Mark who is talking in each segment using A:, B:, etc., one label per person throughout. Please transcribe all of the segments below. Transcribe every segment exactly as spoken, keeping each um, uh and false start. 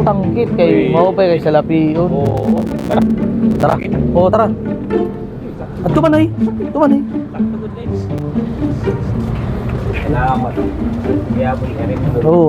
A: tangkit kay
B: Uy.
A: maupay kay salapion.
B: Oo. Tara.
A: Tara. Oo, tara. At tumanay. Tumanay.
B: Salamat. Kaya po ka rin.
A: Oo.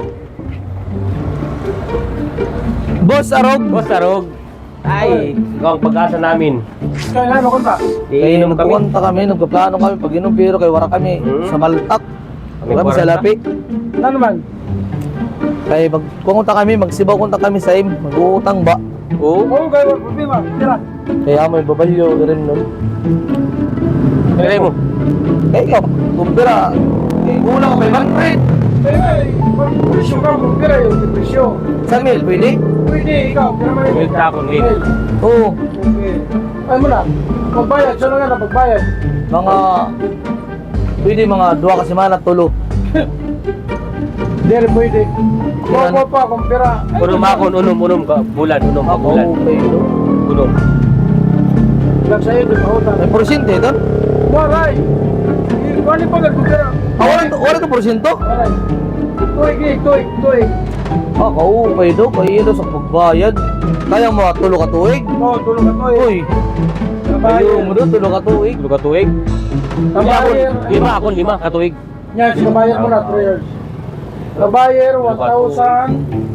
A: Boss Arog.
B: Boss Arog. Ay, ikaw ang pag-asa namin.
C: Kaya ano kunta?
A: Kay
B: Iinom kami.
A: nagpupunta kami, nagpaplano kami pag inom pero kay wara kami
B: Hmm.
A: sa Maltak.
B: Kami
A: Kami sa
B: kwarta.
A: Lapi.
C: Ano naman?
A: Kay magpunta kami, magsibaw kunta kami sa im, mag-uutang ba.
B: Oo.
C: Oo, kaya wala problema. Tira.
A: Kaya may babalyo rin nun.
B: Kaya mo.
A: Kaya ikaw, kumpira. Kaya kulang ka five hundred.
C: Kaya nga, eh, pag presyo ka, kung tira yung presyo.
A: Sa mil, pwede?
C: Pwede, ikaw. Tira mo
B: Wait na ako, wait.
A: Oo.
C: Okay. Ay mo na. Pagbayad, saan nga na pagbayad?
A: Mga, pwede mga dua ka semana, tulo.
C: Hindi rin pwede.
A: Yan.
C: Kuha pa, kung tira.
B: Unom ako, unom, unom ka. Bulan, unom ka,
A: Ako,
B: bulan.
A: okay, no?
B: Unom.
C: Lang sa'yo, di ba utang?
A: May porsyento ito?
C: Waray! Kuha ni pagad kung tira.
A: Ah, wala to, wala to porsyento?
C: Waray. Tuig, eh, tuig, tuig.
A: Ah, kaupay do, kaya ito sa pagbayad. Kaya mo, tulo ka tuig?
C: Oo, tulong ka tuig.
A: Uy, ayaw mo do, tulo ka tuig.
B: Tulo ka tuig. Lima ako, lima ako, lima katuig.
C: Yan, kabayar mo na, three years. Kabayar, one thousand.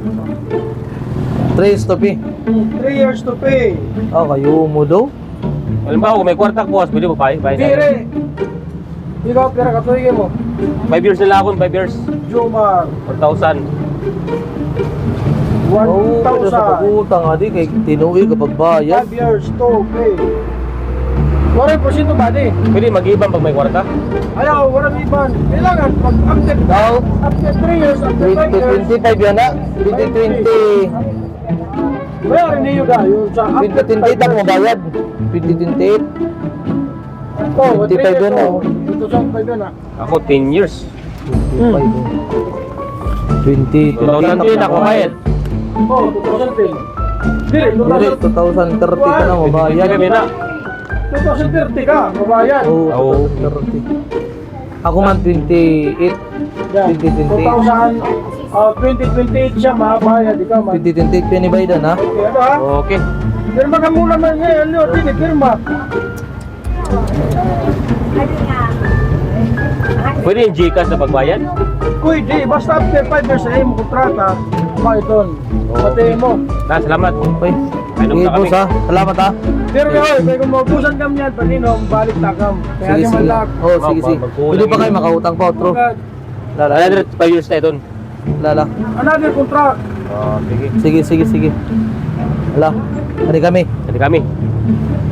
A: Tres to pi.
C: three years to pay.
A: Ah, kayo mo do?
B: Alam ba, kung may kwarta ko, pwede mo pa, bayad na.
C: Dire. Ikaw, pira ka tuig mo.
B: Five years nila ako, five years.
C: Jomar.
B: One thousand.
C: one
A: Oo, pwede sa
C: thousand.
A: pag-utang, adi, kay tinuwi kapag bayad.
C: five years to pay. Waray porsyento ba di?
B: Pwede mag-ibang pag may kwarta.
C: Ayaw, waray iban. Kailangan, pag after,
A: Now,
C: after three years, after five
A: twenty
C: years,
A: twenty-five yan na. twenty twenty,
C: bayarin niyo ka. Yung sa
A: twenty twenty-eight ang mabayad. twenty twenty-eight.
C: Oh,
A: twenty-five yun, oh.
C: Ito sa five yun ah.
B: Ako, ten years.
A: twenty
B: two thousand ten ako bayad.
C: Oh, two thousand ten. Dire,
A: Dire, twenty thirty ka na mabayad.
B: Kami na.
C: two thousand thirty ka, mabayad.
A: Oo,
B: Oo.
A: twenty thirty. Ako man twenty-eight.
C: Yan.
A: twenty twenty-eight.
C: two thousand, ah, twenty twenty-eight siya, mabayad. Ikaw man.
A: twenty twenty-eight pinibaydan ha.
C: Okay, ano ha?
B: Okay.
C: Pirma ka muna man ngayon, Leo. Dini, pirma.
B: Pwede yung Gcash na pagbayad?
C: Kuy, di, basta after five years sa iyong kontrata, maiton. Pati mo.
B: Na, salamat.
A: Okay.
B: Inom
A: Sige
B: na kami.
A: boss ha. Salamat ha.
C: Pero kaya, kaya kung maubusan kami yan, paninom, balik na kam. Kaya
A: Sige
C: di man
A: sige.
C: lak.
A: Oh, sige sige.
B: Magkulang
A: Pwede pa
B: yun.
A: kayo makautang pa outro. Lala.
B: Another five years tayo doon.
A: Lala.
C: Another contract.
B: Oh, sige.
A: Sige sige sige. Ala. Hari kami.
B: Jadi kami.